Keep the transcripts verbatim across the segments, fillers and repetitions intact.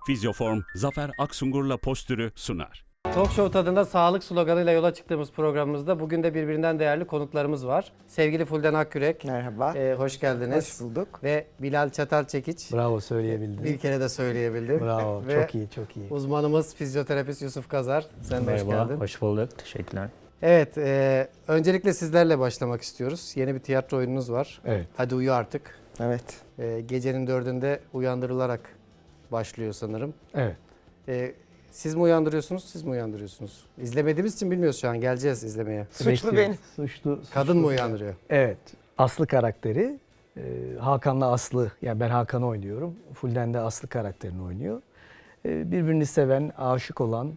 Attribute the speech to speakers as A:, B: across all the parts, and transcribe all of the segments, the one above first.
A: Fizyoform, Zafer Aksungur'la postürü sunar.
B: Talk Show tadında sağlık sloganıyla yola çıktığımız programımızda bugün de birbirinden değerli konuklarımız var. Sevgili Fulden Akkürek.
C: Merhaba.
B: E, hoş geldiniz.
C: Hoş bulduk.
B: Ve Bilal Çatalçekiç.
D: Bravo, söyleyebildim.
B: Bir kere de söyleyebildim.
D: Bravo,
B: Ve
D: çok iyi, çok iyi.
B: uzmanımız fizyoterapist Yusuf Kazar. Sen de hoş
E: Merhaba,
B: geldin.
E: hoş bulduk. Teşekkürler.
B: Evet, e, öncelikle sizlerle başlamak istiyoruz. Yeni bir tiyatro oyununuz var.
D: Evet.
B: Hadi uyu artık.
C: Evet.
B: E, gecenin dördünde uyandırılarak başlıyor sanırım.
D: Evet.
B: E, siz mi uyandırıyorsunuz, siz mi uyandırıyorsunuz? İzlemediğimiz için bilmiyoruz şu an. Geleceğiz izlemeye.
C: Suçlu
D: Bekliyoruz.
C: benim.
D: Suçlu,
B: Kadın
D: suçlu.
B: mı uyandırıyor?
D: Evet. Aslı karakteri e, Hakan'la Aslı, yani ben Hakan'ı oynuyorum. Fulden de Aslı karakterini oynuyor. E, birbirini seven, aşık olan,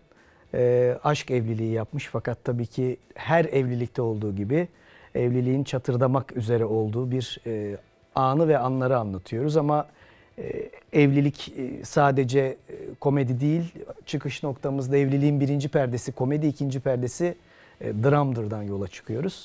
D: e, aşk evliliği yapmış fakat tabii ki her evlilikte olduğu gibi evliliğin çatırdamak üzere olduğu bir e, anı ve anları anlatıyoruz ama e, evlilik e, sadece e, komedi değil, çıkış noktamızda evliliğin birinci perdesi komedi, ikinci perdesi e, dramdırdan yola çıkıyoruz.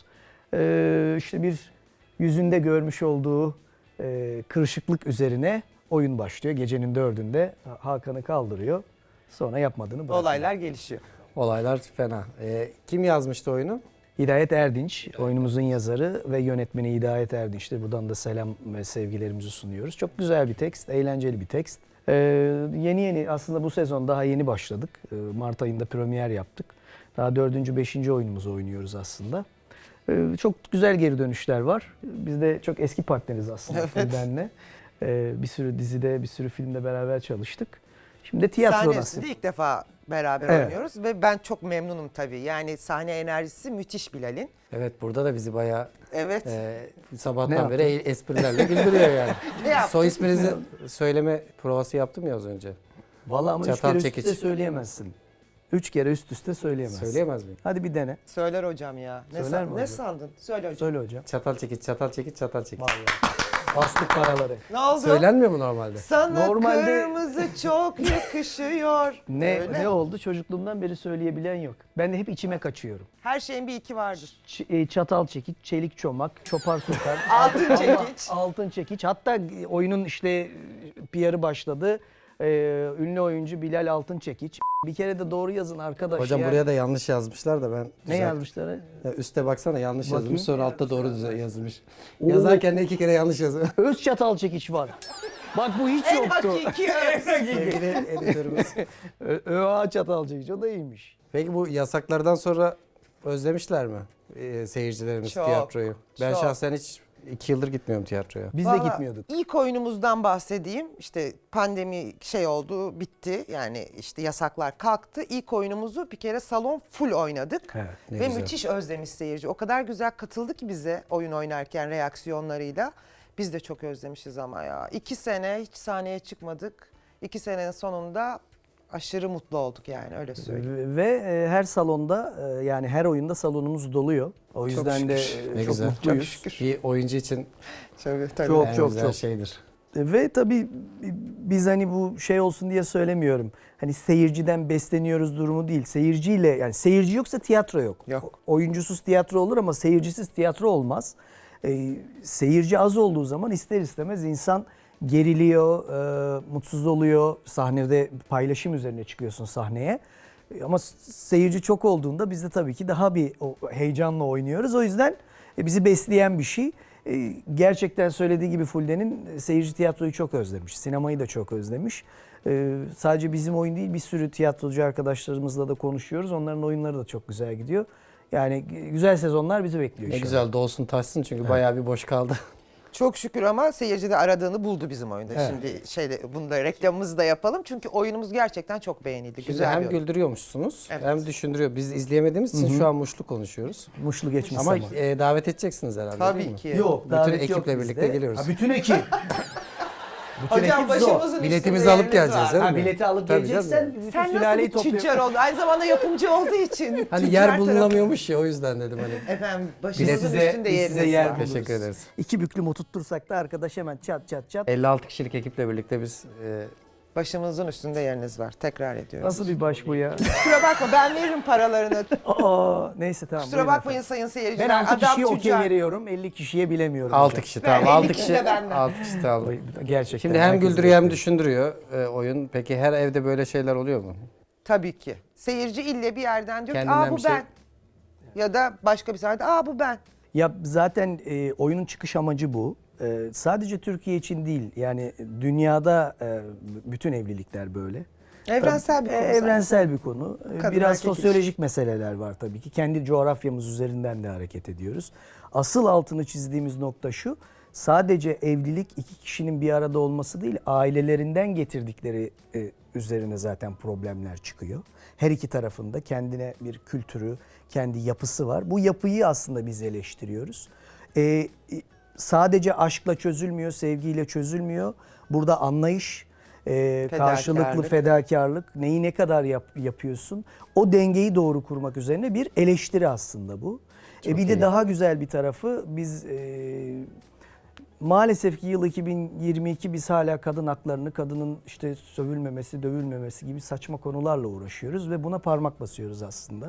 D: E, işte bir yüzünde görmüş olduğu e, kırışıklık üzerine oyun başlıyor. Gecenin dördünde Hakan'ı kaldırıyor. Sonra yapmadığını bırakıyor.
C: Olaylar gelişiyor.
B: Olaylar fena. E, kim yazmıştı oyunu?
D: Hidayet Erdinç, oyunumuzun yazarı ve yönetmeni Hidayet Erdinç'tir. Buradan da selam ve sevgilerimizi sunuyoruz. Çok güzel bir tekst, eğlenceli bir tekst. Ee, yeni yeni aslında bu sezon daha yeni başladık. Ee, Mart ayında premier yaptık. Daha dördüncü, beşinci oyunumuzu oynuyoruz aslında. Ee, çok güzel geri dönüşler var. Biz de çok eski partneriz aslında
C: Evet.
D: Fulden'le. Ee, bir sürü dizide, bir sürü filmde beraber çalıştık. Şimdi de tiyatro nasip.
C: Sahnesinde ilk defa beraber
D: Evet.
C: oynuyoruz ve ben çok memnunum tabii. Yani sahne enerjisi müthiş Bilal'in.
B: Evet, burada da bizi bayağı
C: Evet.
B: e,
D: Ne
B: sabahtan
D: yaptın?
B: beri esprilerle güldürüyor yani.
C: Ne yaptın?
B: Soy isminizi söyleme provası yaptım ya az önce.
D: Vallahi ama üç
B: Çatal
D: kere üst
B: çekiç.
D: üste söyleyemezsin. Üç kere üst üste söyleyemezsin.
B: Söyleyemez miyim?
D: Hadi bir dene.
C: Söyler hocam ya. Ne,
D: Söyler
C: san-
D: mi
C: ne
D: hocam?
C: sandın? Söyle hocam.
D: Söyle hocam.
B: Çatal çekiç, çatal çekiç, çatal çekiç.
D: Vallahi. Bastık paraları.
C: Ne oldu?
B: Söylenmiyor mu normalde?
C: Sana
D: Normalde-
C: kırmızı çok yakışıyor.
D: Ne
C: Öyle.
D: ne oldu? Çocukluğumdan beri söyleyebilen yok. Ben de hep içime kaçıyorum.
C: Her şeyin bir iki vardır.
D: Ç- e, çatal çekiç, çelik çomak, çopar sultan.
C: Altın
D: Ama-
C: çekiç.
D: Altın çekiç. Hatta oyunun işte P R'ı başladı. Ee, ünlü oyuncu Bilal Altın Çekiç. Bir kere de doğru yazın arkadaş.
B: Hocam
D: ya.
B: buraya da yanlış yazmışlar da ben...
D: Ne
B: düzelt-
D: yazmışlar?
B: Ya üste baksana yanlış
D: Bakayım.
B: yazılmış, sonra altta doğru düze- yazılmış.
D: Oo.
B: Yazarken de iki kere yanlış yazıyor.
D: Öz çatal çekiç var. Bak bu hiç
C: En
D: yoktu.
C: hakiki öz.
B: Sevgili editörümüz.
D: Ö- ÖA çatal çekiç, o da iyiymiş.
B: Peki bu yasaklardan sonra özlemişler mi e, seyircilerimiz
C: Çok,
B: tiyatroyu? Ben
C: çok.
B: şahsen hiç iki yıldır gitmiyorum tiyatroya.
D: Biz de
C: Vallahi
D: gitmiyorduk.
C: İlk oyunumuzdan bahsedeyim. İşte pandemi şey oldu, bitti. Yani işte yasaklar kalktı. İlk oyunumuzu bir kere salon full oynadık.
D: Evet,
B: ne
C: Ve
B: güzel.
C: müthiş özlemiş seyirci. O kadar güzel katıldı ki bize oyun oynarken reaksiyonlarıyla. Biz de çok özlemişiz ama ya. İki sene hiç sahneye çıkmadık. İki senenin sonunda aşırı mutlu olduk yani, öyle söyleyeyim.
D: Ve e, her salonda e, yani her oyunda salonumuz doluyor. O yüzden de
C: şükür.
D: e,
B: Ne
D: çok
B: güzel.
D: mutluyuz.
B: Bir oyuncu için
C: Tabii, tabii.
D: Çok,
B: en
D: çok,
B: güzel
D: çok.
B: şeydir.
D: Ve tabii biz hani bu şey olsun diye söylemiyorum. Hani seyirciden besleniyoruz durumu değil. Seyirciyle, yani seyirci yoksa tiyatro yok.
C: Yok.
D: Oyuncusuz tiyatro olur ama seyircisiz tiyatro olmaz. Ee, seyirci az olduğu zaman ister istemez insan geriliyor, e, mutsuz oluyor. Sahnede paylaşım üzerine çıkıyorsun sahneye. E, Ama seyirci çok olduğunda biz de tabii ki daha bir o heyecanla oynuyoruz. O yüzden e, bizi besleyen bir şey. E, Gerçekten söylediği gibi Fulden'in e, seyirci tiyatroyu çok özlemiş. Sinemayı da çok özlemiş. E, Sadece bizim oyun değil, bir sürü tiyatrocu arkadaşlarımızla da konuşuyoruz. Onların oyunları da çok güzel gidiyor. Yani e, güzel sezonlar bizi bekliyor
B: Ne
D: inşallah.
B: güzel dolsun taşsın çünkü bayağı bir boş kaldı.
C: Çok şükür ama seyirci de aradığını buldu bizim oyunda.
B: Evet.
C: Şimdi şeyde bunu da reklamımızı da yapalım. Çünkü oyunumuz gerçekten çok beğenildi.
B: Şimdi
C: Güzel
B: hem
C: bir oyun.
B: güldürüyormuşsunuz
C: Evet.
B: hem düşündürüyor. Biz izleyemediğimiz için şu an muşlu konuşuyoruz.
D: Muşlu geçmiş
B: Ama
D: zaman.
B: e, davet edeceksiniz herhalde değil
C: Tabii
B: mi?
C: ki.
D: Yok,
B: Bütün
D: davet yok
B: ekiple
D: bizde.
B: birlikte geliyoruz.
D: Ha, bütün ekip. bütün
C: Hocam
D: ekip zor.
C: başımızın
B: Biletimizi
C: üstünde
B: alıp
C: yeriniz
B: geleceğiz,
C: var.
B: değil mi?
D: Ha, bileti alıp
B: Tabii
D: geleceksen
B: canım.
D: bütün
C: Sen nasıl
D: sülaleyi
C: bir
D: topluyor.
C: tüccar oldun? Aynı zamanda yapımcı olduğu için.
B: Hani
C: tüccar
B: yer
C: tarafı-
B: bulunamıyormuş ya, o yüzden dedim hani.
C: Efendim
D: Biz
C: başımızın
D: size,
C: üstünde
D: biz
C: yeriniz
D: size yer
C: var.
D: buluruz.
B: Teşekkür ederiz.
D: İki büklüm oturtursak da arkadaş hemen çat çat çat.
B: elli altı kişilik ekiple birlikte biz e,
C: Başımızın üstünde yeriniz var. Tekrar ediyorum.
D: Nasıl bir baş bu ya?
C: Kusura bakma ben veririm paralarını.
D: Aa, neyse tamam.
C: Kusura
D: buyurun
C: bakmayın
D: efendim.
C: sayın seyirciler.
D: Ben altı
C: Adam
D: kişiye okey
C: tüccar.
D: veriyorum. elli kişiye bilemiyorum.
E: altı
D: hocam.
E: kişi
C: Ve
E: tamam.
C: elli
E: altı
C: kişi
E: kişi.
C: de benden.
E: altı kişi tamam.
D: Gerçekten.
E: Şimdi hem
D: herkes
E: güldürüyor hem
D: bekliyor.
E: düşündürüyor e, oyun. Peki her evde böyle şeyler oluyor mu?
C: Tabii ki. Seyirci ille bir yerden diyor ki
E: Kendinden
C: aa bu
E: bir şey-
C: ben. Ya da başka bir sahnede aa bu ben.
D: Ya zaten e, oyunun çıkış amacı bu. E, sadece Türkiye için değil. Yani dünyada e, bütün evlilikler böyle.
C: Evrensel bir
D: E,
C: konu.
D: Evrensel bir konu. E,
C: Kadın
D: Biraz
C: erkek
D: sosyolojik meseleler var tabii ki. Kendi coğrafyamız üzerinden de hareket ediyoruz. Asıl altını çizdiğimiz nokta şu. Sadece evlilik iki kişinin bir arada olması değil, ailelerinden getirdikleri e, üzerine zaten problemler çıkıyor. Her iki tarafında kendine bir kültürü, kendi yapısı var. Bu yapıyı aslında biz eleştiriyoruz. E, e, sadece aşkla çözülmüyor, sevgiyle çözülmüyor. Burada anlayış, e, karşılıklı
C: Fedakarlık.
D: fedakarlık, neyi ne kadar yap- yapıyorsun, o dengeyi doğru kurmak üzerine bir eleştiri aslında bu. E, bir de daha güzel bir tarafı biz e, maalesef ki yıl iki bin yirmi iki biz hala kadın haklarını, kadının işte sövülmemesi, dövülmemesi gibi saçma konularla uğraşıyoruz ve buna parmak basıyoruz aslında.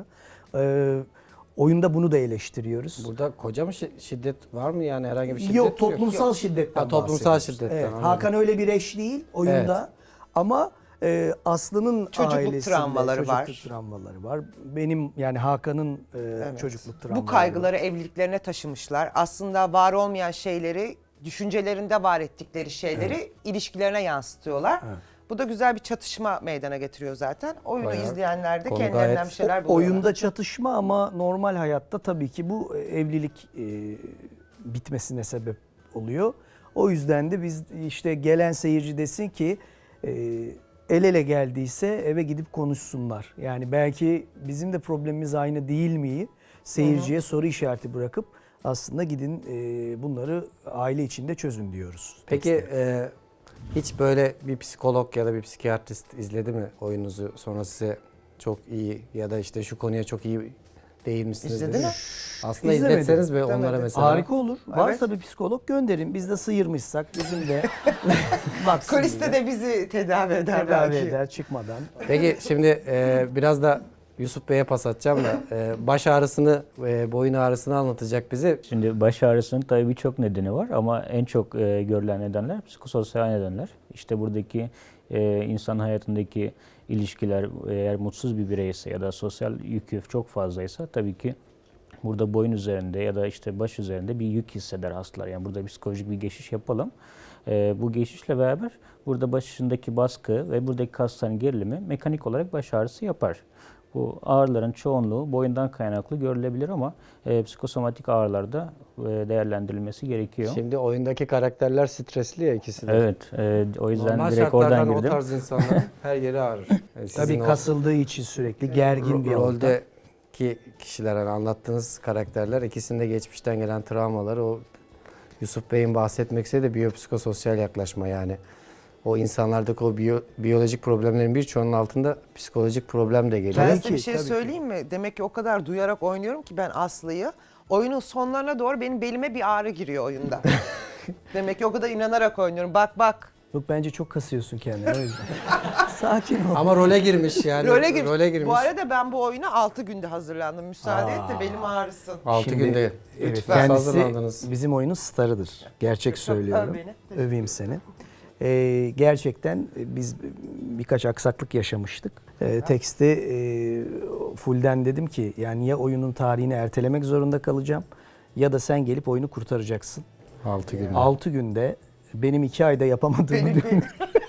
D: E, oyunda bunu da eleştiriyoruz.
E: Burada koca mı şi- şiddet var mı yani herhangi bir şiddet
D: Yok, toplumsal şiddetten
E: Ha, toplumsal
D: bahsediyoruz.
E: şiddetten,
D: Evet,
E: anladım.
D: Hakan öyle bir eş değil oyunda ama e, Aslı'nın
C: Çocukluk
D: ailesinde
C: travmaları
D: çocukluk
C: var.
D: travmaları var. Benim yani Hakan'ın e, çocukluk travmaları
C: Bu kaygıları evliliklerine taşımışlar. Aslında var olmayan şeyleri, düşüncelerinde var ettikleri şeyleri ilişkilerine yansıtıyorlar. Bu da güzel bir çatışma meydana getiriyor zaten. Oyunu
E: Bayağı
C: izleyenler de
E: konu
C: kendilerinden
E: gayet-
C: bir şeyler
D: O-
C: buluyorlar.
D: oyunda çatışma ama normal hayatta tabii ki bu e, evlilik e, bitmesine sebep oluyor. O yüzden de biz işte gelen seyirci desin ki e, el ele geldiyse eve gidip konuşsunlar. Yani belki bizim de problemimiz aynı değil mi? Seyirciye soru işareti bırakıp aslında gidin e, bunları aile içinde çözün diyoruz.
E: Peki e, hiç böyle bir psikolog ya da bir psikiyatrist izledi mi oyununuzu, sonra size çok iyi ya da işte şu konuya çok iyi değinmişsiniz
C: İzledi
E: dedi
C: mi?
E: Aslında
D: İzlemedim.
E: izletseniz be onlara
C: İzlemedim.
E: mesela.
D: Harika olur.
C: Evet.
D: Varsa bir psikolog gönderin. Biz de sıyırmışsak bizim de baksın
C: Kuliste
D: bize.
C: de bizi tedavi eder
D: tedavi
C: belki.
D: eder çıkmadan.
E: Peki şimdi e, biraz da Yusuf Bey'e pas atacağım da e, baş ağrısını, e, boyun ağrısını anlatacak bize.
F: Şimdi baş ağrısının tabii birçok nedeni var ama en çok e, görülen nedenler psikososyal nedenler. İşte buradaki e, insan hayatındaki ilişkiler eğer mutsuz bir bireyse ya da sosyal yükü çok fazlaysa tabii ki burada boyun üzerinde ya da işte baş üzerinde bir yük hisseder hastalar. Yani burada psikolojik bir geçiş yapalım. E, bu geçişle beraber burada başındaki baskı ve buradaki kasların gerilimi mekanik olarak baş ağrısı yapar. Bu ağrıların çoğunluğu boyundan kaynaklı görülebilir ama e, psikosomatik ağrılarda e, değerlendirilmesi gerekiyor.
E: Şimdi oyundaki karakterler stresli ya ikisi de.
F: Evet, e, o yüzden
E: Normal
F: direkt oradan
E: şartlarda o
F: girdim.
E: tarz insanların her yeri ağrır. Yani sizin
D: Tabii
E: o
D: kasıldığı için sürekli gergin bir ortam.
E: roldeki kişiler, hani anlattığınız karakterler, ikisinde geçmişten gelen travmalar, o Yusuf Bey'in bahsetmek istediği de biyopsikososyal yaklaşma yani. O insanlardaki o biyo, biyolojik problemlerin birçoğunun altında psikolojik problem de geliyor.
C: Ben
D: Tabii
C: size
D: ki,
C: bir şey
D: tabii ki.
C: söyleyeyim mi? Demek ki o kadar duyarak oynuyorum ki ben Aslı'yı. Oyunun sonlarına doğru benim belime bir ağrı giriyor oyunda. Demek ki o kadar inanarak oynuyorum. Bak bak.
D: Yok bence çok kasıyorsun kendini o yüzden. Sakin ol.
E: Ama role girmiş yani.
C: Role girmiş.
E: Role girmiş.
C: Bu arada ben bu oyuna altı günde hazırlandım. Müsaade et de belim ağrısın.
E: altı
D: Şimdi-
E: günde.
D: Evet,
E: Lütfen
D: kendisi
E: hazırlandınız.
D: bizim oyunun starıdır. Gerçek söylüyorum.
C: beni.
D: Öveyim seni. Ee, gerçekten e, biz birkaç aksaklık yaşamıştık. Ee, teksti e, fullden dedim ki yani ya oyunun tarihini ertelemek zorunda kalacağım ya da sen gelip oyunu kurtaracaksın.
E: altı günde.
D: altı günde benim iki ayda yapamadığımı
C: Benim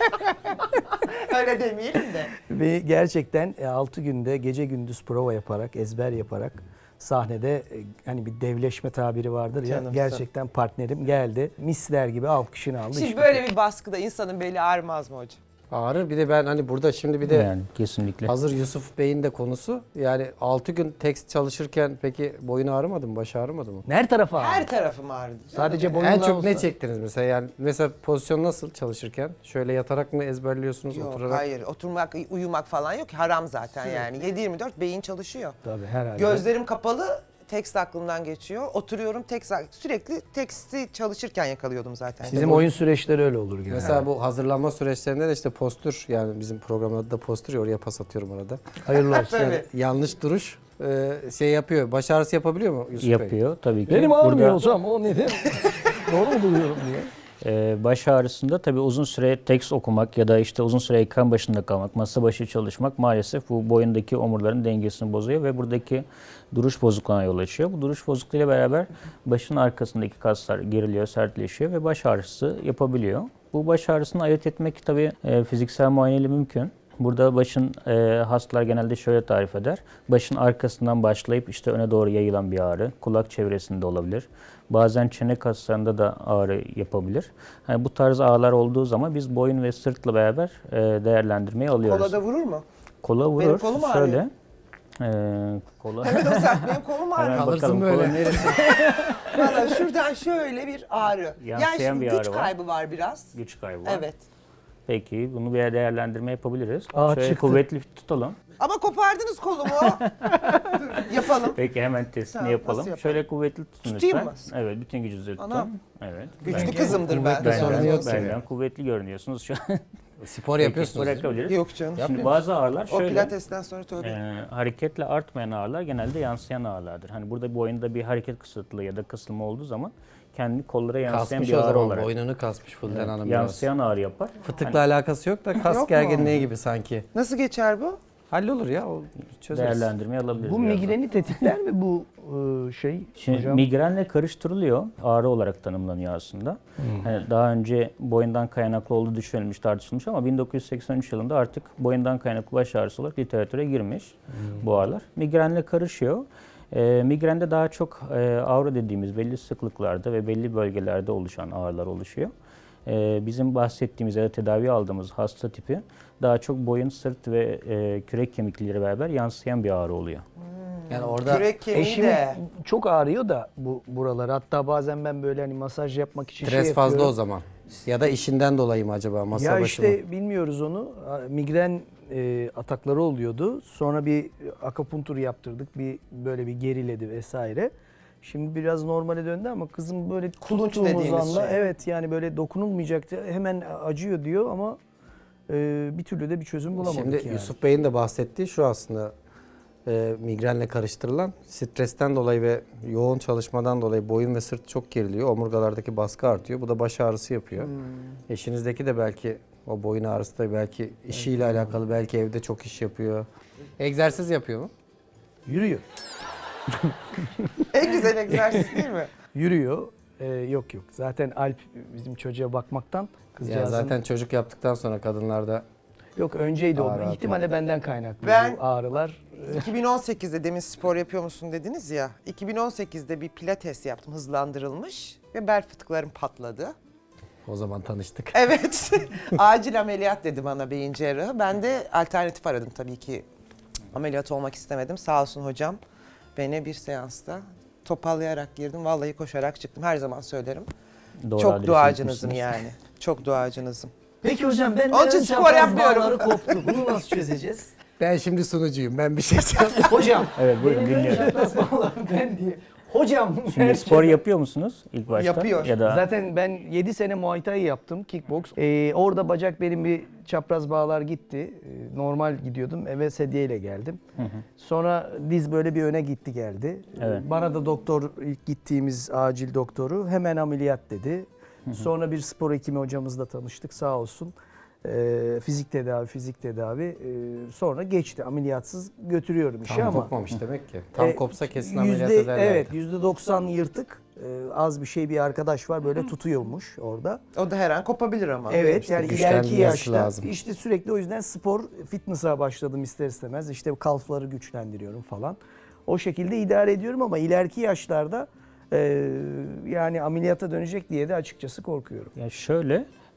C: Öyle demeyelim de.
D: ve gerçekten altı günde gece gündüz prova yaparak, ezber yaparak sahnede e, hani bir devleşme tabiri vardır ya,
C: Canımsın.
D: gerçekten partnerim geldi. Misler gibi alkışını aldı.
C: Şimdi
D: iş
C: böyle
D: bitti.
C: bir baskıda insanın beli ağrımaz mı hocam?
E: Ağrır. Bir de ben hani burada şimdi bir de
F: Yani kesinlikle.
E: hazır Yusuf Bey'in de konusu. Yani altı gün tekst çalışırken peki boyun ağrımadı mı? Baş ağrımadı mı?
D: Her tarafa
C: Her
D: ağrı.
C: tarafım ağrıdı.
D: Sadece boyundan
E: En çok
D: olsa.
E: ne çektiniz mesela? Yani mesela pozisyon nasıl çalışırken? Şöyle yatarak mı ezberliyorsunuz,
C: Yok
E: oturarak?
C: hayır oturmak uyumak falan yok. Haram zaten yani. yedi yirmi dört beyin çalışıyor.
D: Tabii herhalde.
C: Gözlerim kapalı tekst aklımdan geçiyor. Oturuyorum tekst, sürekli teksti çalışırken yakalıyordum zaten.
D: Bizim oyun süreçleri öyle olur genelde.
E: Mesela bu hazırlanma süreçlerinde de işte postür, yani bizim programın adı da postür ya, oraya pas atıyorum arada.
D: Hayırlı olsun.
C: Tabii.
E: Yani yanlış duruş e, şey yapıyor. Baş ağrısı yapabiliyor mu Yusuf Bey?
F: Yapıyor tabii ki.
D: Benim
F: Burada-
D: ağrımıyor hocam, o neden? Doğru buluyorum diye.
F: Ee, baş ağrısında tabii uzun süre tekst okumak ya da işte uzun süre ekran başında kalmak, masa başı çalışmak maalesef bu boyundaki omurların dengesini bozuyor ve buradaki duruş bozukluğuna yol açıyor. Bu duruş bozukluğuyla beraber başın arkasındaki kaslar geriliyor, sertleşiyor ve baş ağrısı yapabiliyor. Bu baş ağrısını ayırt etmek tabii e, fiziksel muayeneyle mümkün. Burada başın e, hastalar genelde şöyle tarif eder. Başın arkasından başlayıp işte öne doğru yayılan bir ağrı, kulak çevresinde olabilir. Bazen çene kaslarında da ağrı yapabilir. Yani bu tarz ağrılar olduğu zaman biz boyun ve sırtla beraber e, değerlendirmeyi alıyoruz.
C: Kola da vurur mu?
F: Kola vurur.
C: Benim kolum ağrıyor.
F: Şöyle. E, kola.
C: Evet o sen benim kolum ağrıyor.
F: Hemen
E: Kalırsın
F: bakalım
E: böyle.
F: kola neresi?
C: Valla şuradan şöyle bir ağrı. Yani
F: Yansıyan
C: şimdi
F: bir
C: güç
F: ağrı var.
C: kaybı var biraz.
F: Güç kaybı var.
C: Evet.
F: Peki bunu bir değerlendirme yapabiliriz.
D: Aa,
F: Şöyle
D: çıktı.
F: kuvvetli tutalım.
C: Ama kopardınız kolumu. Dur, yapalım.
F: Peki hemen testini
C: Tamam,
F: yapalım.
C: nasıl yapalım?
F: Şöyle kuvvetli tutun
C: Tutayım
F: lütfen. Evet, bütün gücünüzü tutun.
C: Anam.
F: Evet.
C: Güçlü
F: Bence-
C: kızımdır ben.
E: Kuvvetli sorun
F: Benden,
E: yok
F: benden
E: senin.
F: kuvvetli görünüyorsunuz şu an.
E: Spor
F: Peki,
E: yapıyorsunuz değil mi?
F: bırakabiliriz.
C: Yok canım.
F: Şimdi bazı ağrılar
C: O
F: şöyle.
C: pilatesten sonra tövbe.
F: e, hareketle artmayan ağrılar genelde yansıyan ağrılardır. Hani burada boyunda bir hareket kısıtlığı ya da kısılma olduğu zaman kendini kollara yansıyan
E: Kasmış
F: bir
E: o
F: ağrı
E: zaman,
F: olarak.
E: boynunu kasmış Fulden
F: Evet,
E: Hanım biraz.
F: yansıyan ağrı yapar.
E: Fıtıkla alakası yok da kas
C: Yok mu?
E: gerginliği gibi sanki.
C: Nasıl geçer bu?
E: Hallolur ya, o çözeriz.
F: Değerlendirme alabiliriz.
D: Bu
F: birazdan.
D: migreni tetikler mi bu e, şey
F: Şimdi
D: hocam?
F: migrenle karıştırılıyor. Ağrı olarak tanımlanıyor aslında. Hani daha önce boyundan kaynaklı olduğu düşünülmüş, tartışılmış ama bin dokuz yüz seksen üç yılında artık boyundan kaynaklı baş ağrısı olarak literatüre girmiş bu ağrılar. Migrenle karışıyor. E, migrende daha çok e, ağrı dediğimiz belli sıklıklarda ve belli bölgelerde oluşan ağrılar oluşuyor. E, bizim bahsettiğimiz ya da tedavi aldığımız hasta tipi daha çok boyun, sırt ve e, kürek kemikleri beraber yansıyan bir ağrı oluyor.
E: Yani orada
C: Kürek kemiği
D: Eşim
C: de.
D: çok ağrıyor da bu buralar. Hatta bazen ben böyle hani masaj yapmak için
E: stres
D: şey
E: fazla
D: yapıyorum.
E: o zaman. Ya da işinden dolayı mı acaba, masa
D: Ya
E: başı mı?
D: işte bilmiyoruz onu. Migren e, atakları oluyordu. Sonra bir akupunktur yaptırdık. Bir böyle bir geriledi vesaire. Şimdi biraz normale döndü ama kızım böyle
C: Kulunç
D: tuttuğumuz
C: dediğimiz
D: anda
C: şey.
D: evet yani böyle dokunulmayacaktı. Hemen acıyor diyor ama e, bir türlü de bir çözüm bulamadık
E: Şimdi
D: yani.
E: Yusuf Bey'in de bahsettiği şu aslında, e, migrenle karıştırılan, stresten dolayı ve yoğun çalışmadan dolayı boyun ve sırt çok geriliyor. Omurgalardaki baskı artıyor. Bu da baş ağrısı yapıyor.
C: Hmm.
E: Eşinizdeki de belki o boyun ağrısı da belki işiyle alakalı, belki evde çok iş yapıyor. Egzersiz yapıyor mu?
D: Yürüyor.
C: En güzel egzersiz değil mi?
D: Yürüyor. E, yok yok. Zaten Alp bizim çocuğa bakmaktan
E: Yani
D: kızcağızın...
E: zaten çocuk yaptıktan sonra kadınlarda
D: Yok önceydi o.
E: Ağrı atıyor.
D: İhtimalle benden kaynaklı
C: Ben-
D: bu ağrılar.
C: iki bin on sekizde demin spor yapıyor musun dediniz ya. iki bin on sekizde bir pilates yaptım hızlandırılmış ve bel fıtıklarım patladı.
E: o zaman tanıştık.
C: Evet. Acil ameliyat dedi bana beyin cerrahı. Ben de alternatif aradım tabii ki. Ameliyat olmak istemedim. Sağ olsun hocam. Beni bir seansta topallayarak girdim. Vallahi koşarak çıktım. Her zaman söylerim.
F: Doğru
C: Çok
F: adrese
C: duacınızım
F: gitmişsiniz.
C: yani. Çok duacınızım.
D: Peki hocam ben
C: Onun için
D: ön
C: spor
D: çapraz
C: yapmıyorum.
D: bağları koptu. Bunu nasıl çözeceğiz?
E: Ben şimdi sunucuyum. Ben bir şey söyleyeyim.
D: Hocam.
F: Evet, buyurun,
D: benim ön
F: dinliyorum.
D: çapraz bağları ben diye. Hocam.
F: Şimdi spor yapıyor musunuz ilk başta?
C: Yapıyor.
F: Ya da
D: Zaten ben yedi sene Muay Thai yaptım, kickbox. Ee, orada bacak benim bir çapraz bağlar gitti. Ee, normal gidiyordum, eve sedyeyle geldim. Sonra diz böyle bir öne gitti geldi. Ee,
F: Evet.
D: Bana da doktor, ilk gittiğimiz acil doktoru hemen ameliyat dedi. Sonra bir spor hekimi hocamızla tanıştık sağ olsun. Ee, fizik tedavi, fizik tedavi. Ee, sonra geçti, ameliyatsız götürüyorum işi
E: Tam
D: ama.
E: kopmamış demek ki. Tam
D: E,
E: kopsa kesin
D: yüzde-
E: ameliyat ederlerdi.
D: Evet, yüzde doksan yırtık. Ee, az bir şey bir arkadaş var böyle tutuyormuş orada.
C: O da her an kopabilir ama.
D: Evet yani
E: güçlenmesi
D: ileriki yaşta
E: lazım.
D: işte sürekli o yüzden spor, fitness'a başladım ister istemez. İşte kalfları güçlendiriyorum falan. O şekilde idare ediyorum ama ileriki yaşlarda e, yani ameliyata dönecek diye de açıkçası korkuyorum.
F: ya şöyle,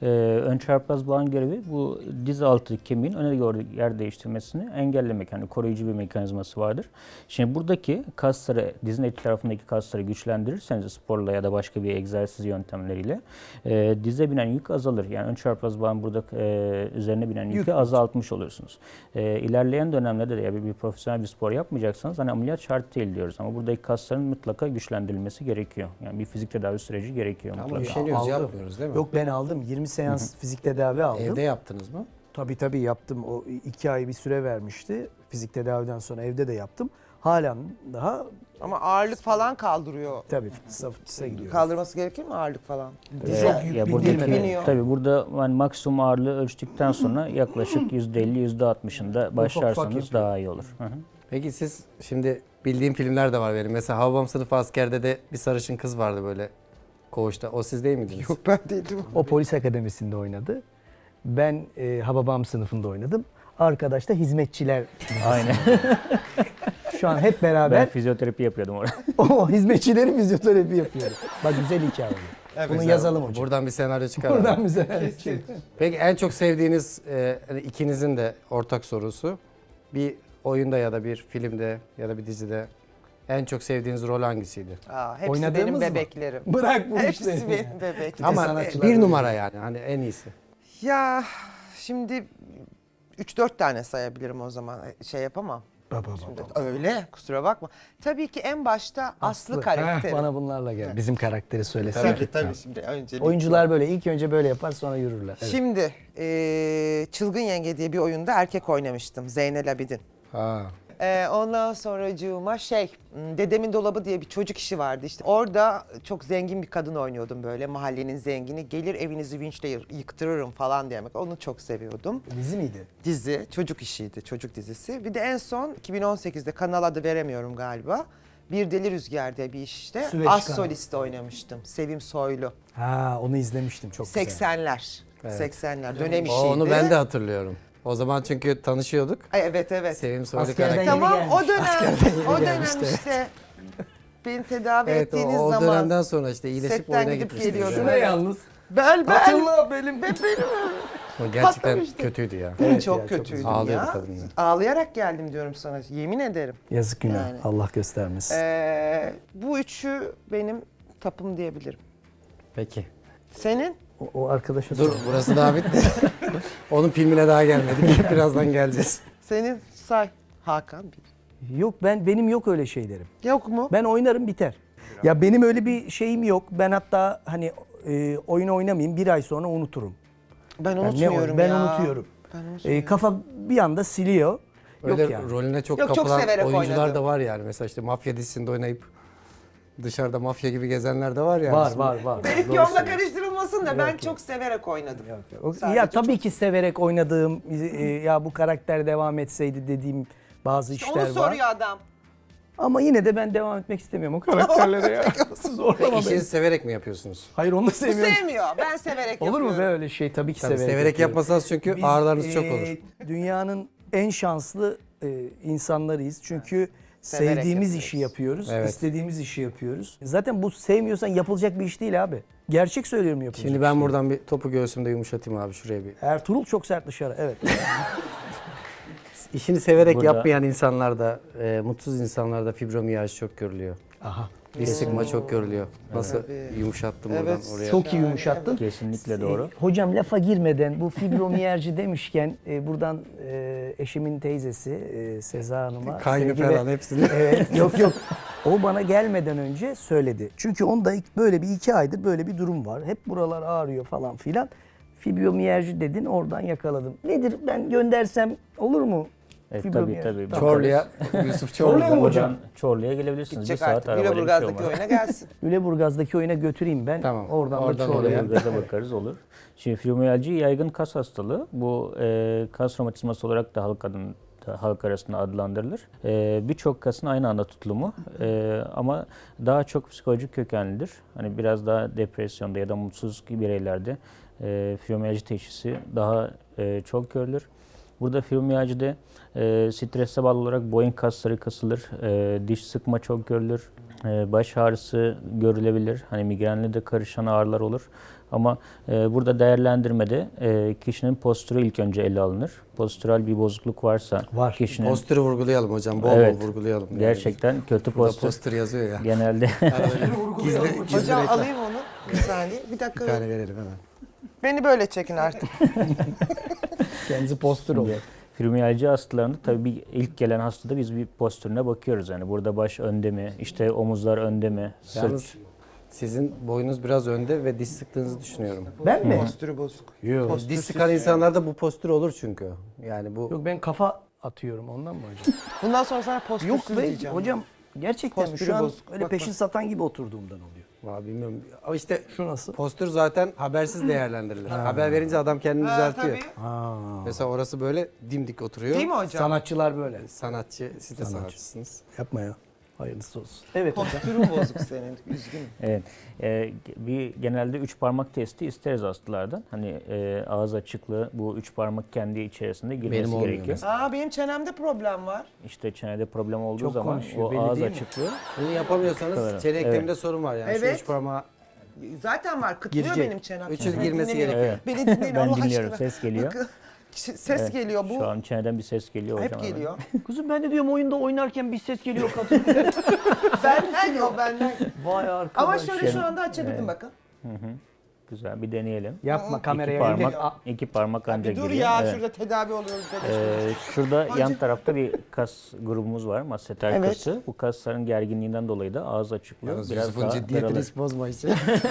F: Ee, ön çarpaz bağın görevi bu diz altı kemiğin öne doğru yer değiştirmesini engellemek. Yani koruyucu bir mekanizması vardır. Şimdi buradaki kasları, dizin eti tarafındaki kasları güçlendirirseniz sporla ya da başka bir egzersiz yöntemleriyle e, dize binen yük azalır. Yani ön çarpaz bağın burada e, üzerine binen yükü
D: Yük.
F: azaltmış olursunuz. E, ilerleyen dönemlerde de ya bir, bir profesyonel bir spor yapmayacaksanız hani ameliyat şart değil diyoruz ama buradaki kasların mutlaka güçlendirilmesi gerekiyor. Yani bir fizik tedavi süreci gerekiyor
E: Ama
F: mutlaka.
E: üşeniyoruz,
D: Aldım.
E: yapmıyoruz değil mi?
D: Yok ben aldım. yirmi seans fizik tedavi aldım.
E: Evde yaptınız mı?
D: Tabii tabii yaptım. O iki ay bir süre vermişti. Fizik tedaviden sonra evde de yaptım. Halen daha
C: Ama ağırlık falan kaldırıyor.
D: tabii fitness'a fitness'a gidiyorum.
C: Kaldırması gerekir mi ağırlık falan?
F: Ee,
D: Çok yük
F: ya
D: bindirmeden.
F: buradaki,
C: Biniyor.
F: tabii burada yani maksimum ağırlığı ölçtükten sonra yaklaşık yüzde elli yüzde altmışında başlarsanız
D: yapıyor.
F: daha iyi olur. Hı hı.
E: Peki siz şimdi bildiğim filmler de var benim. Mesela Hababam Sınıfı Asker'de de bir sarışın kız vardı böyle koğuşta. O siz değil miydiniz?
C: Yok ben değildim.
D: O polis akademisinde oynadı. Ben e, Hababam sınıfında oynadım. Arkadaş da hizmetçiler.
F: Aynen.
D: Şu an hep
F: Ben
D: beraber
F: fizyoterapi yapıyordum orada.
D: o hizmetçilerin fizyoterapi yapıyoruz. Bak güzel hikaye oldu. Bunu yazalım hocam.
E: Buradan bir senaryo çıkar.
D: Buradan bize.
E: Peki en çok sevdiğiniz e, hani ikinizin de ortak sorusu bir oyunda ya da bir filmde ya da bir dizide en çok sevdiğiniz rol hangisiydi?
C: Aa, hepsi
D: Oynadığımız
C: benim
D: mı?
C: bebeklerim.
D: Bırak bu
C: Hepsi
D: işleri.
C: benim bebeklerim.
E: Ama
D: sanatçılar
E: bir
D: öyle.
E: numara yani hani en iyisi.
C: Ya şimdi üç dört tane sayabilirim o zaman. Şey yapamam.
D: Baba
C: Şimdi
D: baba.
C: öyle kusura bakma. Tabii ki en başta Aslı,
D: Heh,
C: karakteri.
D: bana bunlarla gel. Bizim karakteri söylesene.
C: Tabii tabii şimdi öncelikle.
D: Oyuncular böyle ilk önce böyle yapar sonra yürürler. Evet.
C: Şimdi eee, Çılgın Yenge diye bir oyunda erkek oynamıştım. Zeynel Abidin.
E: Ha.
C: Ee, ondan sonracığıma şey, m, Dedemin Dolabı diye bir çocuk işi vardı işte. Orada çok zengin bir kadın oynuyordum böyle, mahallenin zengini. Gelir evinizi vinçle yı- yıktırırım falan demek. Onu çok seviyordum.
D: Dizi miydi?
C: Dizi, çocuk işiydi, çocuk dizisi. Bir de en son iki bin on sekizde kanal adı veremiyorum galiba. Bir Deli Rüzgar diye bir işte.
D: Süveyş
C: As
D: kanalı.
C: solist oynamıştım. Sevim Soylu.
D: Ha onu izlemiştim çok güzel.
C: seksenler. seksenler dönem
E: O,
C: işiydi.
E: onu ben de hatırlıyorum. O zaman çünkü tanışıyorduk.
C: Ay, evet evet.
E: Sevim Soylu
D: Askerden
E: karakter.
D: yeni
C: Tamam o
D: gelmiş.
C: dönem,
D: Askerden yeni
C: o dönem
D: gelmiş de.
C: işte beni tedavi
E: Evet o,
C: ettiğiniz
E: o
C: zaman
E: dönemden sonra işte iyileşip
C: setten
E: oyuna
C: gidip
E: gitmiştiniz.
C: geliyordum.
E: yani.
D: Şuna yalnız.
C: bel bel
D: Hatırla benim.
C: benim
E: O gerçekten
C: Patlamıştı.
E: kötüydü ya.
D: Evet
C: çok
D: ya, çok
C: kötüydüm
E: Ağlıyordu
C: ya.
E: kadın ya.
C: Ağlayarak geldim diyorum sana, yemin ederim.
D: Yazık günah.
C: Yani.
D: Allah göstermesin.
C: Ee, bu üçü benim tapım diyebilirim.
E: Peki.
C: Senin?
D: O, o arkadaşa
E: Dur
D: sor.
E: burası daha bitmedi. Onun filmine daha gelmedik. Birazdan geleceğiz.
C: Senin say. Hakan bir.
D: Yok ben benim yok öyle şeylerim.
C: Yok mu?
D: Ben oynarım biter. Ya benim öyle bir şeyim yok. Ben hatta hani e, oyun oynamayayım bir ay sonra unuturum.
C: Ben
D: Ben, ne
C: unutmuyorum
D: oyun- ben
C: ya.
D: unutuyorum.
C: Ben
D: E,
C: unutmuyorum.
D: kafa bir anda siliyor.
E: Öyle
D: Yok yani.
E: rolüne çok
C: Yok, çok
E: kapılan
C: severek
E: oyuncular
C: oynadım.
E: da var yani. Mesela işte mafya dizisinde oynayıp dışarıda mafya gibi gezenler de var yani.
D: Var
E: Şimdi-
D: var var.
C: Benim
D: Doğru
C: yolda
D: söylüyorsun.
C: karıştırılmasın da ben çok severek oynadım.
D: O-
C: Sadece
D: Ya tabii
C: çok-
D: ki severek oynadığım e, ya bu karakter devam etseydi dediğim bazı işler
C: Onu
D: var.
C: soruyor adam.
D: Ama yine de ben devam etmek istemiyorum o karakterlere ya. Zorlama
E: İşinizi
D: beni.
E: severek mi yapıyorsunuz?
D: Hayır onu da
C: Bu
D: sevmiyorum.
C: sevmiyor. Ben severek
D: Olur mu
C: yapıyorum.
D: be öyle şey? Tabii ki
E: Tabii
D: severek,
E: severek,
D: yapıyorum.
E: yapmasanız çünkü
D: Biz,
E: ağrılarınız çok
D: e,
E: olur.
D: Dünyanın en şanslı e, insanlarıyız. Çünkü
C: Severek
D: sevdiğimiz
C: yapıyoruz.
D: işi yapıyoruz.
E: Evet.
D: istediğimiz işi yapıyoruz. Zaten bu sevmiyorsan yapılacak bir iş değil abi. Gerçek söylüyorum yapılacak.
E: Şimdi
D: iş
E: ben
D: değil.
E: buradan bir topu göğsümde yumuşatayım abi şuraya bir.
D: Ertuğrul çok sert dışarı. Evet.
E: İşini severek
F: Burada-
E: yapmayan insanlarda, e, mutsuz insanlarda fibromiyaj çok görülüyor.
D: Aha.
E: Diz sıkma çok görülüyor. Nasıl
C: Tabii.
E: yumuşattım
C: Evet.
E: buradan oraya.
D: Çok iyi yumuşattın.
F: Kesinlikle doğru.
D: E, hocam lafa girmeden bu fibromiyerci demişken e, buradan e, eşimin teyzesi e, Seza Hanım'a
E: Kaynı
D: sevgi ve-
E: falan hepsini.
D: Evet, yok yok. O bana gelmeden önce söyledi. Çünkü onda ilk- böyle bir iki aydır böyle bir durum var. Hep buralar ağrıyor falan filan. Fibromiyerji dedin oradan yakaladım. Nedir ben göndersem olur mu?
F: Evet, tabii
D: Fibromiyerji.
F: tabii.
D: Tamam.
E: Çorlu'ya, Yusuf
D: Çorlu'ya
E: Çorlu'ya.
D: mı hocam?
F: Buradan Çorlu'ya gelebilirsiniz.
C: Gidecek
F: bir saat
C: artık.
F: arabayla bir şey
C: Güleburgaz'daki
F: olmaz.
C: oyuna gelsin.
D: Üleburgaz'daki oyuna götüreyim ben.
E: Tamam,
D: Oradan,
E: oradan
D: da
E: oraya.
D: Çorlu'ya.
F: Gaza bakarız olur. Şimdi fibromiyalji yaygın kas hastalığı. Bu e, kas romatizması olarak da halk adın, da halk arasında adlandırılır. E, Birçok kasın aynı anda tutulumu e, ama daha çok psikolojik kökenlidir. Hani biraz daha depresyonda ya da mutsuz bireylerde e, fibromiyalji teşhisi daha e, çok görülür. Burada fibromiyajide e, strese bağlı olarak boyun kasları kasılır, e, diş sıkma çok görülür, e, baş ağrısı görülebilir. Hani migrenle de karışan ağrılar olur. Ama e, burada değerlendirmede e, kişinin postürü ilk önce ele alınır. Postürel bir bozukluk varsa
D: Var.
F: kişinin
E: Postürü vurgulayalım hocam. Bol
F: Evet.
E: bol vurgulayalım. Yani.
F: gerçekten kötü
E: Burada
F: postür
E: postür yazıyor ya.
F: genelde
E: Gizli, gizli
C: Hocam
E: reklam.
C: alayım onu. Bir saniye. Bir dakika.
E: Bir tane verelim hemen.
C: Beni böyle çekin artık.
D: Kendisi postür oluyor.
F: fibromiyalji hastalarında tabii bir ilk gelen hastada biz bir postürüne bakıyoruz. Yani burada baş önde mi, işte omuzlar önde mi, sırt.
E: Yalnız sizin boyunuz biraz önde ve diş sıktığınızı düşünüyorum.
D: Ben mi?
C: Postürü bozuk.
D: Yok.
E: Diş sıkan insanlarda bu postür olur çünkü. Yani bu
D: Yok ben kafa atıyorum ondan mı hocam?
C: Bundan sonra sana postürsüz
D: Yok be
C: diyeceğim.
D: hocam gerçekten mi?
C: Postürü
D: Şu an
C: bozuk.
D: öyle
C: Bak,
D: peşin
C: bak.
D: satan gibi oturduğumdan oluyor.
E: Vallahi bilmiyorum. Ama işte
D: Şu nasıl?
E: postür zaten habersiz değerlendirilir. Haber verince adam kendini
C: Ha,
E: düzeltiyor.
C: tabii.
D: Ha.
E: Mesela orası böyle dimdik oturuyor.
C: Değil mi hocam?
D: Sanatçılar böyle.
E: Sanatçı, siz de sanatçısınız.
D: Yapma ya. Hayırlısı olsun. Evet hocam.
C: Postürün bozuk senin. Üzgünüm.
F: Evet. Ee, bir genelde üç parmak testi isteriz hastalardan. Hani e, ağız açıklığı bu üç parmak kendi içerisinde girmesi
E: Benim olmuyor
F: gerekiyor.
E: mesela.
C: Aa benim çenemde problem var.
F: İşte çenede problem olduğu
D: Çok
F: zaman
D: konuşuyor,
F: o
D: belli
F: ağız
D: değil mi?
F: açıklığı
E: Bunu yapamıyorsanız
F: Evet.
E: çene
F: Evet.
E: ekleminde sorun var yani. Şu
C: Evet.
E: üç parmağı
C: Zaten var. Kıtlıyor
D: Girecek.
C: benim çenem.
E: Üç yüz
C: Beni
E: girmesi
C: dinlemeyin.
E: gerekiyor.
F: Evet.
C: Beni dinleyin
F: ben
C: Allah
F: dinliyorum.
C: aşkına.
F: Ses geliyor.
C: Bakın, ses
F: Evet.
C: geliyor bu.
F: Şu an çeneden bir ses geliyor hocam.
C: Hep
F: hemen.
C: geliyor.
D: Kızım ben de diyorum oyunda oynarken bir ses geliyor kadın.
C: benden yok benden.
D: Vay arkadaş.
C: Ama şöyle şu anda açabildim bakın.
F: Güzel bir deneyelim.
D: Yapma kameraya.
F: iki parmak,
D: Aa,
F: iki parmak
C: Bir
F: ancak
C: dur
F: giriyor.
C: ya
F: Evet.
C: şurada tedavi oluyoruz. bebek.
F: Ee, şurada yan
C: Hocam.
F: tarafta bir kas grubumuz var, masseter
C: Evet.
F: kası. Bu kasların gerginliğinden dolayı da ağız açıklığı
E: Yalnız
F: biraz
E: Yusuf'un
F: daha
E: ciddiyetini
F: daralır.
E: hiç bozma hiç.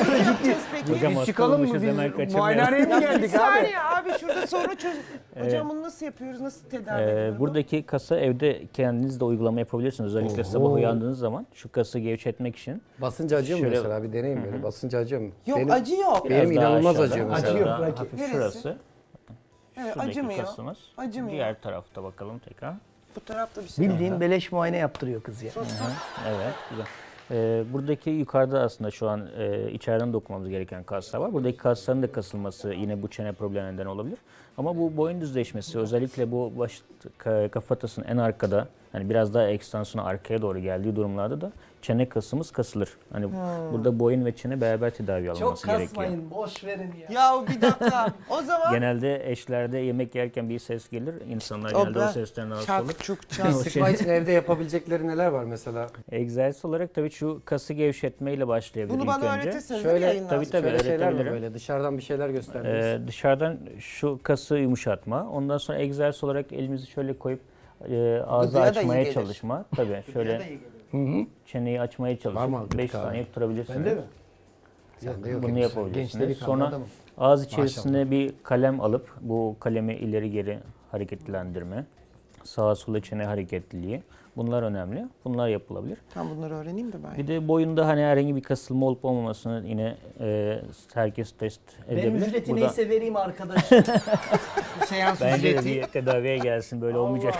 C: Peki.
F: Hocam
D: Biz
F: hasta
D: çıkalım mı
F: olmuşuz, hemen
D: biz?
F: kaçırmayalım.
D: Muayenehaneye mi
C: Bir
D: geldik abi?
C: saniye abi şurada sorun çöz. Hocam bunu nasıl yapıyoruz? Nasıl tedavi
F: Ee,
C: ediyoruz?
F: buradaki kası evde kendiniz de uygulama yapabilirsiniz. Özellikle sabah uyandığınız zaman şu kası gevşetmek için.
E: Basınca acıyor mu
F: Şöyle-
E: mesela? Bir deneyin böyle. Basınca acıyor mu?
C: Yok
E: benim,
C: acı yok.
E: Benim
F: Biraz daha
E: inanılmaz
F: aşağıda,
E: acıyor mesela.
D: Acıyor,
F: daha
D: bırak.
F: hafif
C: Neresi?
F: şurası.
C: Evet,
F: Şuradaki
C: acımıyor.
F: kasımız.
C: Acımıyor.
F: Diğer tarafta bakalım tekrar.
C: Bu tarafta bir şey.
D: Bildiğin beleş muayene yaptırıyor kız ya.
F: Evet, güzel. Ee, buradaki yukarıda aslında şu an e, içeriden dokunmamız gereken kaslar var. Buradaki kasların da kasılması yine bu çene problemine neden olabilir. Ama bu boyun düzleşmesi özellikle bu baş ka- kafatasının en arkada hani biraz daha ekstansiyona arkaya doğru geldiği durumlarda da çene kasımız kasılır. Hani burada boyun ve çene beraber tedavi alınması gerekiyor.
D: boş verin ya.
C: Ya bir dakika. O zaman
F: Genelde eşlerde yemek yerken bir ses gelir. İnsanlar
C: O
F: genelde o
C: ben-
F: sesten rahatsız olur.
C: çak çuk çak.
E: Sıkma için evde yapabilecekleri neler var mesela?
F: Egzersiz olarak tabii şu kası gevşetmeyle başlayabilir
C: Bunu
F: ilk
C: bana
F: önce.
C: öğretirsiniz
E: Şöyle-
C: değil mi yayından
F: tabii,
C: sonra?
F: tabii.
E: Şöyle şeyler mi
F: öğretebilirim.
E: böyle? Dışarıdan bir şeyler gösterdiniz.
F: Ee, dışarıdan şu kası yumuşatma, ondan sonra egzersiz olarak elimizi şöyle koyup e, ağzı
C: Gıdıya da iyi
F: açmaya
C: gelir.
F: çalışma. Tabii şöyle çeneyi açmaya
E: Var mı
F: çalışıp
E: abi
F: beş
E: gıdık abi?
F: saniye tutturabilirsiniz.
D: Bende mi?
E: Sende yok
F: Bunu
E: henüz.
F: yapabilirsiniz.
D: Gençleri
F: Sonra
D: adamım.
F: ağız içerisine bir kalem alıp bu kalemi ileri geri hareketlendirme, sağa sola çene hareketliliği. Bunlar önemli. Bunlar yapılabilir.
C: Tam bunları öğreneyim de ben.
F: Bir de boyunda hani herhangi bir kasılma olup olmamasını yine e, herkes test edebilir.
D: Benim ücreti
F: Burada
D: neyse vereyim arkadaş. Bu seans
F: bence de
D: ücreti.
F: bir tedaviye gelsin böyle olmayacak.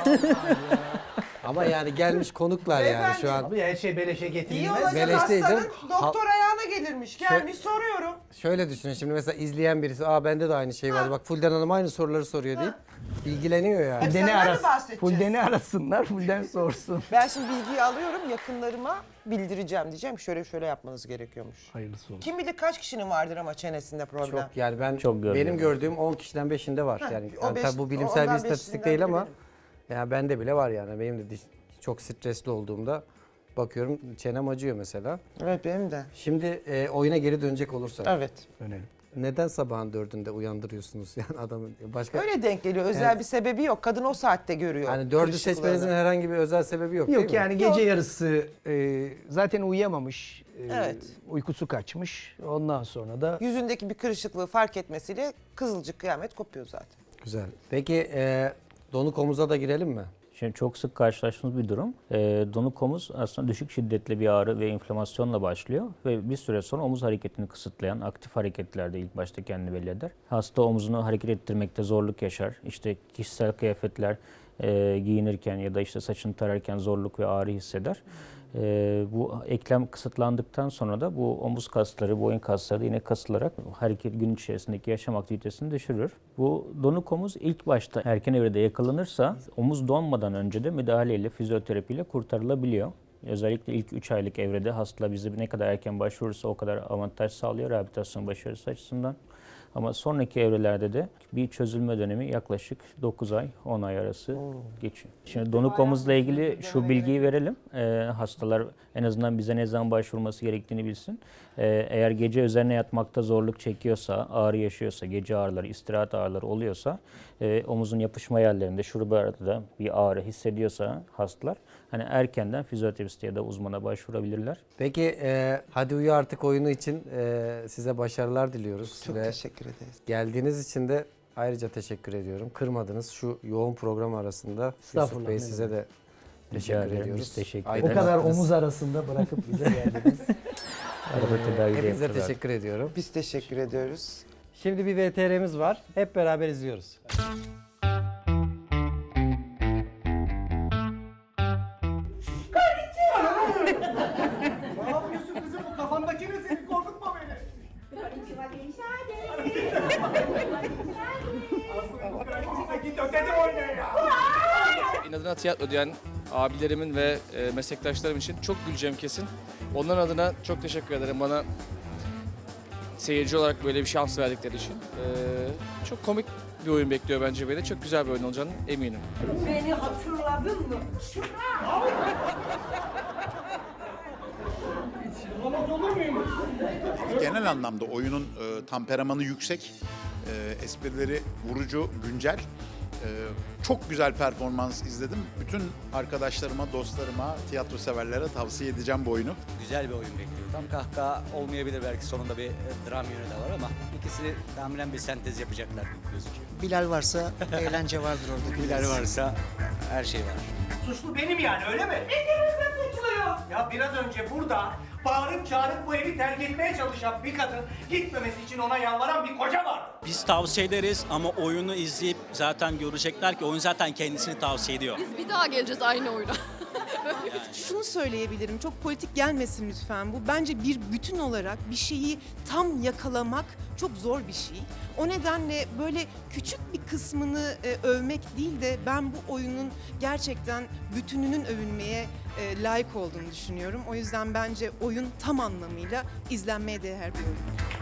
E: Ama yani gelmiş konuklar yani şu an.
D: Abi her şey beleşe
C: İyi
D: getirilmez.
C: olacak
E: Beleş değil
C: hastanın
E: canım.
C: doktor ayağına gelirmiş. Gelmiş soruyorum.
E: Şöyle düşünün şimdi mesela izleyen birisi aa bende de aynı şey vardı bak Fulden Hanım aynı soruları soruyor deyip ilgileniyor yani.
C: Hadi
D: Fuldeni
C: senden mi
D: arasın.
C: bahsedeceğiz?
D: Fuldeni arasınlar. Fulden sorsun.
C: Ben şimdi bilgiyi alıyorum yakınlarıma bildireceğim diyeceğim ki şöyle şöyle yapmanız gerekiyormuş.
D: Hayırlısı olsun.
C: Kim bilir kaç kişinin vardır ama çenesinde problem.
E: Çok yani ben
F: Çok gördüm.
E: benim gördüğüm on kişiden beşinde var.
C: Heh,
E: Yani,
C: o
E: yani
C: beş-
E: tabii bu bilimsel bir
C: ondan
E: istatistik
C: beşinden
E: değil
C: biri
E: ama
C: benim.
E: yani bende bile var yani. Benim de diş- çok stresli olduğumda bakıyorum çenem acıyor mesela.
C: Evet benim de.
E: Şimdi e, oyuna geri dönecek olursak
C: Evet.
D: Dönelim.
E: neden sabahın dördünde uyandırıyorsunuz yani adamı başka
C: Öyle denk geliyor. Özel bir sebebi yok. Kadın o saatte görüyor.
E: hani dördü
C: kırışıklığını.
E: seçmenizin herhangi bir özel sebebi yok,
D: Yok
E: değil mi?
D: yani gece yarısı e, zaten uyuyamamış. e,
C: Evet.
D: Uykusu kaçmış. Ondan sonra da
C: Yüzündeki bir kırışıklığı fark etmesiyle kızılcık kıyamet kopuyor zaten.
E: Güzel. Peki e, donuk omuza da girelim mi?
F: Şimdi çok sık karşılaştığımız bir durum. E, donuk omuz aslında düşük şiddetli bir ağrı ve inflamasyonla başlıyor ve bir süre sonra omuz hareketini kısıtlayan aktif hareketlerde ilk başta kendini belli eder. Hasta omzunu hareket ettirmekte zorluk yaşar. İşte kişisel kıyafetler e, giyinirken ya da işte saçını tararken zorluk ve ağrı hisseder. E, bu eklem kısıtlandıktan sonra da bu omuz kasları, boyun kasları da yine kasılarak hareket gün içerisindeki yaşam aktivitesini düşürür. Bu donuk omuz ilk başta erken evrede yakalanırsa omuz donmadan önce de müdahaleyle, fizyoterapiyle kurtarılabiliyor. Özellikle ilk üç aylık evrede hasta bize ne kadar erken başvurursa o kadar avantaj sağlıyor rehabilitasyon başarısı açısından. Ama sonraki evrelerde de bir çözülme dönemi yaklaşık dokuz ay on ay arası geçiyor. Şimdi donuk omuzla ilgili şu bilgiyi verelim. Ee, hastalar en azından bize ne zaman başvurması gerektiğini bilsin. Ee, eğer gece üzerine yatmakta zorluk çekiyorsa, ağrı yaşıyorsa, gece ağrıları, istirahat ağrıları oluyorsa, e, omuzun yapışma yerlerinde, şuralarda bir ağrı hissediyorsa hastalar, hani erkenden fizyoterapiste ya da uzmana başvurabilirler.
E: Peki e, Hadi Uyu Artık oyunu için e, size başarılar diliyoruz.
C: Çok
E: Ve
C: teşekkür ederiz.
E: geldiğiniz için de ayrıca teşekkür ediyorum. Kırmadınız şu yoğun program arasında. Yusuf
D: Estağfurullah,
E: Bey
D: ne
E: size de
F: Rica
E: teşekkür
F: ederim,
E: ediyoruz.
F: biz teşekkür
E: Aydın
D: O kadar
E: attınız.
D: omuz arasında bırakıp bize geldiniz.
F: Arada tedavi de
E: Hepinize
F: yapıyorlar.
E: teşekkür ediyorum.
C: Biz teşekkür ediyoruz.
B: Şimdi bir V T R'miz var. Hep beraber izliyoruz.
G: Ne yapıyorsun kızım? Bu kafandaki ne senin? Korkutma beni. Aslında git ötede oyna ya.
H: İnadına tiyatro diyen abilerimin ve e, meslektaşlarım için çok güleceğim kesin. Onların adına çok teşekkür ederim bana seyirci olarak böyle bir şans verdikleri için. E, çok komik bir oyun bekliyor bence beni. Çok güzel bir oyun olacağını eminim.
I: Beni hatırladın mı?
G: Anlamaz olur muyum?
J: Genel anlamda oyunun e, temperamanı yüksek, e, esprileri vurucu, güncel. E, çok güzel performans izledim. Bütün arkadaşlarıma, dostlarıma, tiyatro severlere tavsiye edeceğim bu oyunu.
K: Güzel bir oyun bekliyorum. Tam kahkaha olmayabilir, belki sonunda bir e, dram yönü de var ama ikisi tahminen bir sentez yapacaklar gibi gözüküyor.
L: Bilal varsa eğlence vardır orada.
K: Bilal varsa her şey var.
G: Suçlu benim yani, öyle mi? İkimiz de suçluyuz. Ya biraz önce burada bağırıp çağırıp bu evi terk etmeye çalışan bir kadın, gitmemesi için ona yalvaran bir koca vardı.
K: Biz tavsiye ederiz ama oyunu izleyip zaten görecekler ki oyun zaten kendisini tavsiye ediyor.
I: Biz bir daha geleceğiz aynı oyuna.
M: Şunu söyleyebilirim, çok politik gelmesin lütfen bu. Bence bir bütün olarak bir şeyi tam yakalamak çok zor bir şey. O nedenle böyle küçük bir kısmını e, övmek değil de ben bu oyunun gerçekten bütününün övülmeye e, layık olduğunu düşünüyorum. O yüzden bence oyun tam anlamıyla izlenmeye değer bir oyun.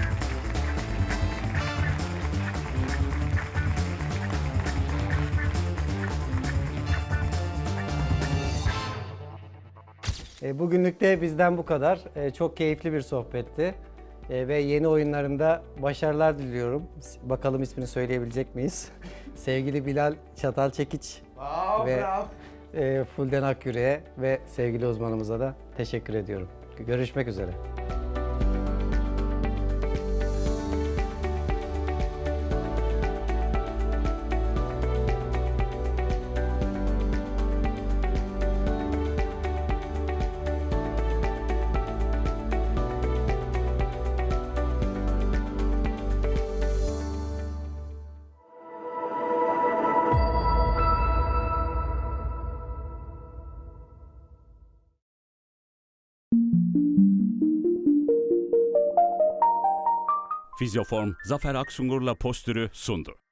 B: E, bugünlük de bizden bu kadar. E, çok keyifli bir sohbetti. E, ve yeni oyunlarında başarılar diliyorum. Bakalım ismini söyleyebilecek miyiz? Sevgili Bilal Çatalçekiç
G: Wow,
B: ve
G: bravo.
B: e, Fulden Akyüre'ye ve sevgili uzmanımıza da teşekkür ediyorum. Görüşmek üzere.
A: Fizyoform Zafer Aksungur'la postürü sundu.